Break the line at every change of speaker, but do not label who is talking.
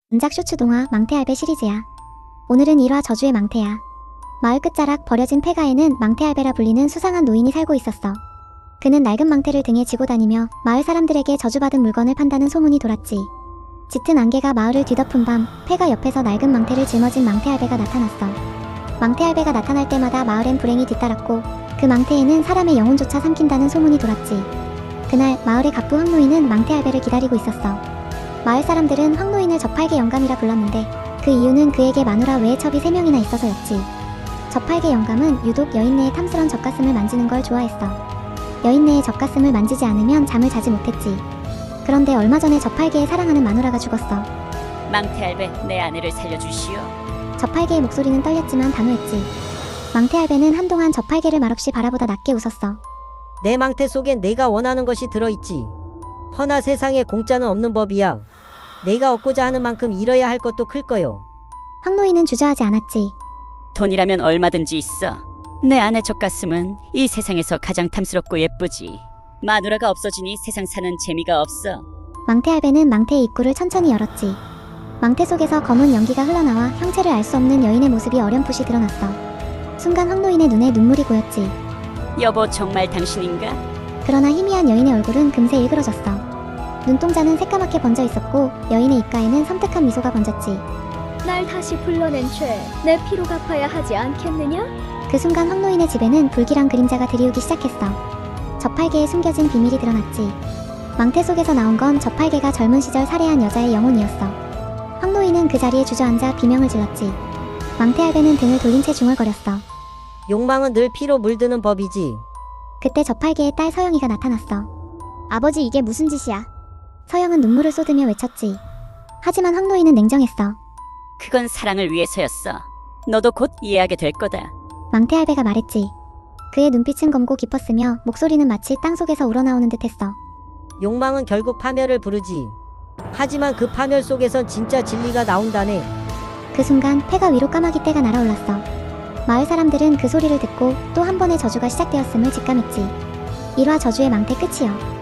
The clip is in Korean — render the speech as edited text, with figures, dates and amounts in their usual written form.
은작 쇼츠 동화 망태알배 시리즈야. 오늘은 1화 저주의 망태야. 마을 끝자락 버려진 폐가에는 망태알배라 불리는 수상한 노인이 살고 있었어. 그는 낡은 망태를 등에 지고 다니며 마을 사람들에게 저주받은 물건을 판다는 소문이 돌았지. 짙은 안개가 마을을 뒤덮은 밤, 폐가 옆에서 낡은 망태를 짊어진 망태알배가 나타났어. 망태알배가 나타날 때마다 마을엔 불행이 뒤따랐고 그 망태에는 사람의 영혼조차 삼킨다는 소문이 돌았지. 그날 마을의 갑부 황노인은 망태알배를 기다리고 있었어. 마을 사람들은 황노인을 저팔계 영감이라 불렀는데 그 이유는 그에게 마누라 외에 첩이 3명이나 있어서였지. 저팔계 영감은 유독 여인네의 탐스런 젖가슴을 만지는 걸 좋아했어. 여인네의 젖가슴을 만지지 않으면 잠을 자지 못했지. 그런데 얼마 전에 저팔계의 사랑하는 마누라가 죽었어.
망태알배, 내 아내를 살려주시오.
저팔계의 목소리는 떨렸지만 단호했지. 망태알배는 한동안 저팔계를 말없이 바라보다 낮게 웃었어.
내 망태 속엔 내가 원하는 것이 들어있지. 허나 세상에 공짜는 없는 법이야. 내가 얻고자 하는 만큼 잃어야 할 것도 클 거요.
황노인은 주저하지 않았지.
돈이라면 얼마든지 있어. 내 아내 젖가슴은 이 세상에서 가장 탐스럽고 예쁘지. 마누라가 없어지니 세상 사는 재미가 없어.
망태알배는 망태의 입구를 천천히 열었지. 망태 속에서 검은 연기가 흘러나와 형체를 알 수 없는 여인의 모습이 어렴풋이 드러났어. 순간 황노인의 눈에 눈물이 고였지.
여보, 정말 당신인가?
그러나 희미한 여인의 얼굴은 금세 일그러졌어. 눈동자는 새까맣게 번져 있었고 여인의 입가에는 섬뜩한 미소가 번졌지.
날 다시 불러낸 죄, 내 피로 갚아야 하지 않겠느냐?
그 순간 황노인의 집에는 불길한 그림자가 드리우기 시작했어. 저팔계에 숨겨진 비밀이 드러났지. 망태 속에서 나온 건 저팔계가 젊은 시절 살해한 여자의 영혼이었어. 황노인은 그 자리에 주저앉아 비명을 질렀지. 망태알배는 등을 돌린 채 중얼거렸어.
욕망은 늘 피로 물드는 법이지.
그때 저팔계의 딸 서영이가 나타났어. 아버지, 이게 무슨 짓이야? 서영은 눈물을 쏟으며 외쳤지. 하지만 황노인은 냉정했어.
그건 사랑을 위해서였어. 너도 곧 이해하게 될 거다.
망태알배가 말했지. 그의 눈빛은 검고 깊었으며 목소리는 마치 땅속에서 우러나오는 듯했어.
욕망은 결국 파멸을 부르지. 하지만 그 파멸 속에선 진짜 진리가 나온다네.
그 순간 폐가 위로 까마귀 떼가 날아올랐어. 마을 사람들은 그 소리를 듣고 또 한 번의 저주가 시작되었음을 직감했지. 1화 저주의 망태 끝이요.